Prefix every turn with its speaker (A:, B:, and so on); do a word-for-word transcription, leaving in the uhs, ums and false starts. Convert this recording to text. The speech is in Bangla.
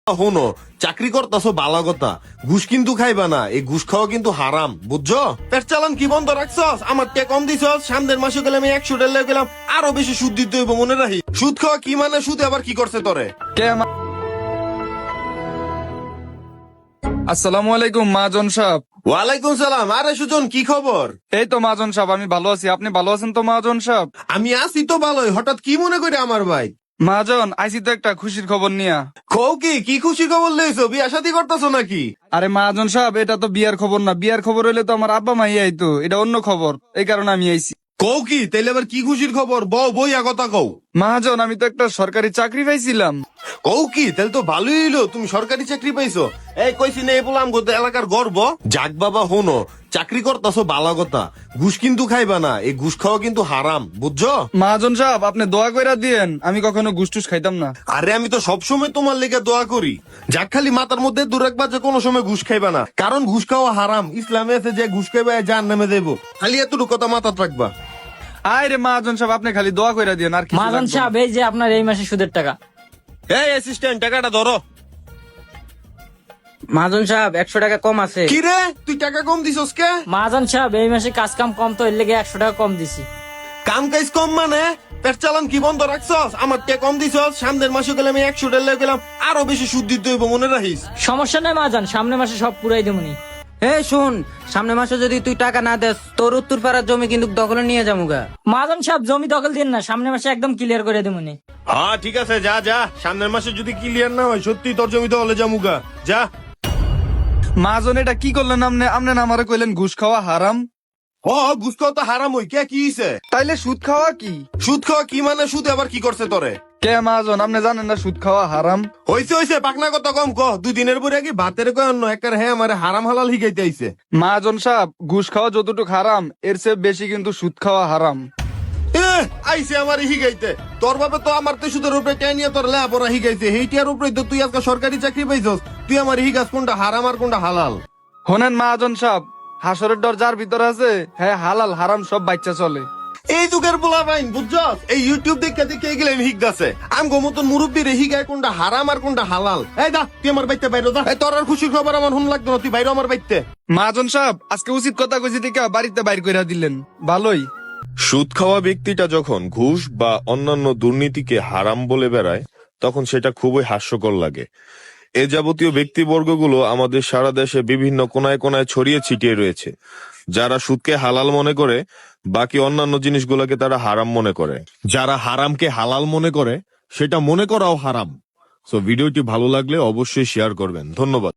A: শোনো, চাকরি করতেছো ভালো কথা, ঘুষ কিন্তু খাইবা না। এই ঘুষ খাওয়া কিন্তু হারাম, বুঝছো? পেট চালান কি বন্ধ রাখছস? আমার কে কম দিছস? সামনের মাসে গেলে আমি একশো ডেলে গেলাম, আরো বেশি সুদ দিতে হইব, মনে রাখি। সুদ খাওয়া কি মানে? সুদ আবার কি করছে তোরে?
B: কে আমা- আসসালামু আলাইকুম মাজন সাহেব।
A: ওয়ালাইকুম সালাম। আরে সুজন, কি খবর?
B: এই তো মাজন সাহেব, আমি ভালো আছি। আপনি ভালো আছেন তো মাজন সাহেব?
A: আমি আছি তো ভালোই। হঠাৎ কি মনে করে আমার ভাই?
B: মাজন, আইসি তো একটা খুশির খবর নিয়া।
A: কও কি? কি খুশি খবর লইছো? বিয়া শাদী করতেছো নাকি?
B: আরে মাজন সাহেব, এটা তো বিয়ার খবর না। বিয়ার খবর হইলে তো আমার আব্বা মাই আইতো। এটা অন্য খবর, এই কারণে আমি আইছি।
A: কও কি? তাইলে আবার কি খুশির খবর? বউ বইয়া কথা কও।
B: মাজন, আমি তো একটা সরকারি চাকরি পাইছিলাম।
A: কও কি? তাহলে তো ভালোই হইলো, তুমি সরকারি চাকরি পাইছো। এই কইছি না, এই বললাম গো, এলাকার গর্ব। যাক বাবা, হনো, চাকরি করতেছো ভালো কথা, ঘুষ কিন্তু খাইবা না। এই ঘুষ খাওয়া কিন্তু হারাম, বুঝছো?
B: মাজন সাহেব, আপনি দোয়া কইরা দিয়েন, আমি কখনো ঘুষ টুস খাইতাম না।
A: আরে আমি তো সবসময় তোমার লেগে দোয়া করি। যাক, খালি মাথার মধ্যে দূর রাখবা যে কোনো সময় ঘুষ খাইবা না, কারণ ঘুষ খাওয়া হারাম। ইসলামে আছে যে ঘুষ খাইবা জাহান্নামে দেবো। খালি এতটুকু কথা মাথায় রাখবা।
B: আয় রে মাজন সাহেব, আপনি খালি দোয়া কইরা দিয়েন, আর কি
C: মাজন সাহেব, এই যে আপনার এই মাসে সুদের টাকা।
A: এই অ্যাসিস্ট্যান্ট, টাকাটা ধরো।
C: মাজন সাহেব, একশো টাকা কম আছে।
A: কি রে, তুই টাকা কম দিছস কে?
C: মাজন সাহেব, এই মাসে কাজ কাম কম, তো এর লেগে একশো টাকা কম দিছি।
A: কাম কাজ কম মানে? পেট চালান কি বন্ধ রাখছস? আমার কে কম দিছস? সামনের মাসে গেলে আমি একশো ডেলে গেলাম, আরো বেশি সুদ দিতে হইব, মনে রাখিস।
C: সমস্যা নাই মাজন, সামনের মাসে সব পুরাই দেবনি।
D: এই শুন, সামনে মাসে যদি তুই টাকা না দেস, তোর উত্তর পাড়ার জমি কিন্তু দখলে নিয়ে যামুগা।
C: মাজন সাহেব, জমি দখল দিন না, সামনের মাসে একদম ক্লিয়ার করে দেবনি।
A: হ্যাঁ ঠিক আছে, যা যা। সামনের মাসে যদি ক্লিয়ার না হয়, সত্যি তোর জমিতে হলে যামুগা, যা।
B: মাজন, এটা কি করলেন আপনি? আপনি না আমারে কইলেন ঘুষ খাওয়া হারাম।
A: ও, ঘুষ খাওয়া তো হারাম হই, কে কি হইছে?
B: তাইলে সুদ খাওয়া কি?
A: সুদ খাওয়া কি মানে? সুদ আবার কি করছে তোরে?
B: কে মাজন, আপনি জানেন না সুদ খাওয়া হারাম?
A: হইছে হইছে, পাকনা কথা কম ক। দুই দিনের পরে কি ভাতের কয় অন্য একবার হ্যাঁ আমার হারাম হালাল হিগাইতে আইছে।
B: মাজন সাহেব, ঘুষ খাওয়া যতটুকু হারাম, এর চেয়ে বেশি কিন্তু সুদ খাওয়া হারাম।
A: এ, আইছে আমার হিগাইতে। তোর বাবা তো আমার তো সুদের উপরে টেনিয়া তোর লেপরা হিগাইছে, হেইটিয়ার উপরে তো তুই আজকে সরকারি চাকরি পাইছস। তুই আমার হিগাস কোনটা হারাম আর কোনটা হালাল?
B: শোনেন মাজন সাহেব, হাসরের ডর যার ভিতর আছে, হ্যাঁ হালাল হারাম সব বাচ্চা চলে।
A: এই যুগের পোলা বাইন, বুঝছস? এই ইউটিউব দেখে দেখে গেলে হিগাছে। আমি গো মতন মুরব্বীরে হিগায় কোনটা হারাম আর কোনটা হালাল। এই দা, তুই আমার বাইতে বাইরে যা। এই তোর আর খুশির খবর আমার হুন লাগতো না, তুই বাইরে আমার বাইতে।
B: মাজন সাহেব, আজকে উচিত কথা কইছি থেকে বাড়িতে বাইর কইরা দিলেন, ভালোই।
E: সুদ খাওয়া ব্যক্তিটা যখন ঘুষ বা অন্যান্য দুর্নীতিকে হারাম বলে বেড়ায়, তখন সেটা খুবই হাস্যকর লাগে। এ যাবতীয় ব্যক্তিবর্গগুলো আমাদের সারা দেশে বিভিন্ন কোনায় কোনায় ছড়িয়ে ছিটিয়ে রয়েছে। যারা সুদকে হালাল মনে করে, বাকি অন্যান্য জিনিসগুলোকে তারা হারাম মনে করে। যারা হারামকে হালাল মনে করে, সেটা মনে করাও হারাম। সো ভিডিওটি ভালো লাগলে অবশ্যই শেয়ার করবেন। ধন্যবাদ।